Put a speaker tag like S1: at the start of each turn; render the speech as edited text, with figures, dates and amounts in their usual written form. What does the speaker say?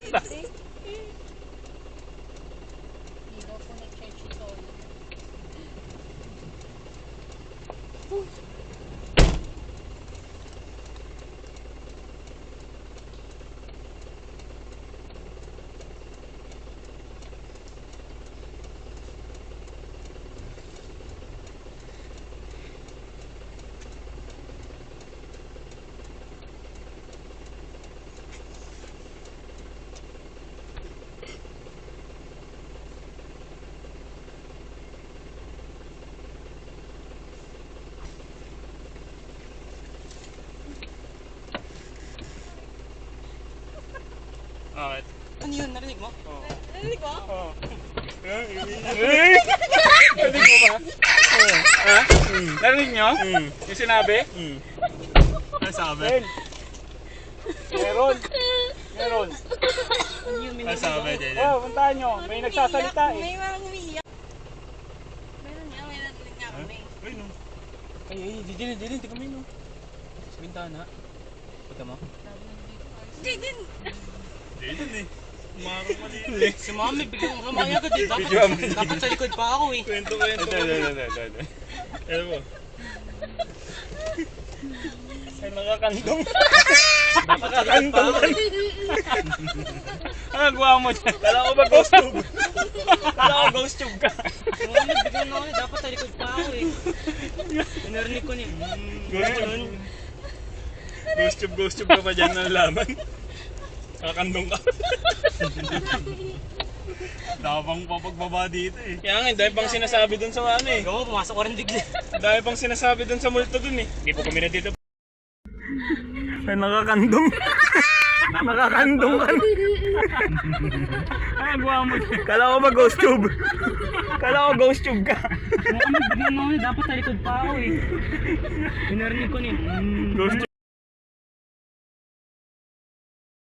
S1: basta.
S2: Hindi daw po nag-charge ito.
S1: Bakit?
S3: Ano yun? Narinig mo?
S1: Oo.
S2: Narinig mo?
S1: Oo. Narinig mo ba? Oo. Ha? Narinig nyo? Yung sinabi? Ano sabi? Meron. Meron.
S3: Ano yun?
S1: Ano sabi, Dede?
S4: Oh, puntahan nyo. May nagsasalita eh.
S2: May mga umiiyak. Meron nga, may narinig nga kami.
S1: Ay, no.
S3: Ay, di kami no. Sa bintana. Punta mo?
S2: Hindi din.
S1: Dede eh. Umarang mali.
S3: Si Mami, biglang kamaya agad eh.
S1: Video mo.
S3: Dapat sa likod pa ako eh.
S1: Kwento. Ano mo?
S4: Ay, nakakandong.
S3: Dapat sa likod pa ako eh.
S4: Ano gawa mo dyan? Kala ko ba ghost tube? Kala ko ghost tube ka.
S3: Si Mami, biglang ako eh. Dapat sa likod pa ako eh. Narinig ko niya.
S1: Ghost tube ka pa dyan ng laman. Kakandong ka. Dabang papagbaba dito eh.
S4: Kaya nga, dahil pang sinasabi dun sa ano eh.
S3: Ikaw, pumasok ko rin bigla.
S4: Dahil pang sinasabi dun sa multo dun eh. Hindi po kami na dito. Ay, nakakandong. Nakakandong ka. Ay, gawa mo dyan. Kala ko ba ghost tube? Kala ko ghost tube ka.
S3: Si Mami, biglang ako eh. Dapat sa likod pa ako eh. Narinig ko niya.
S1: Ghost tube.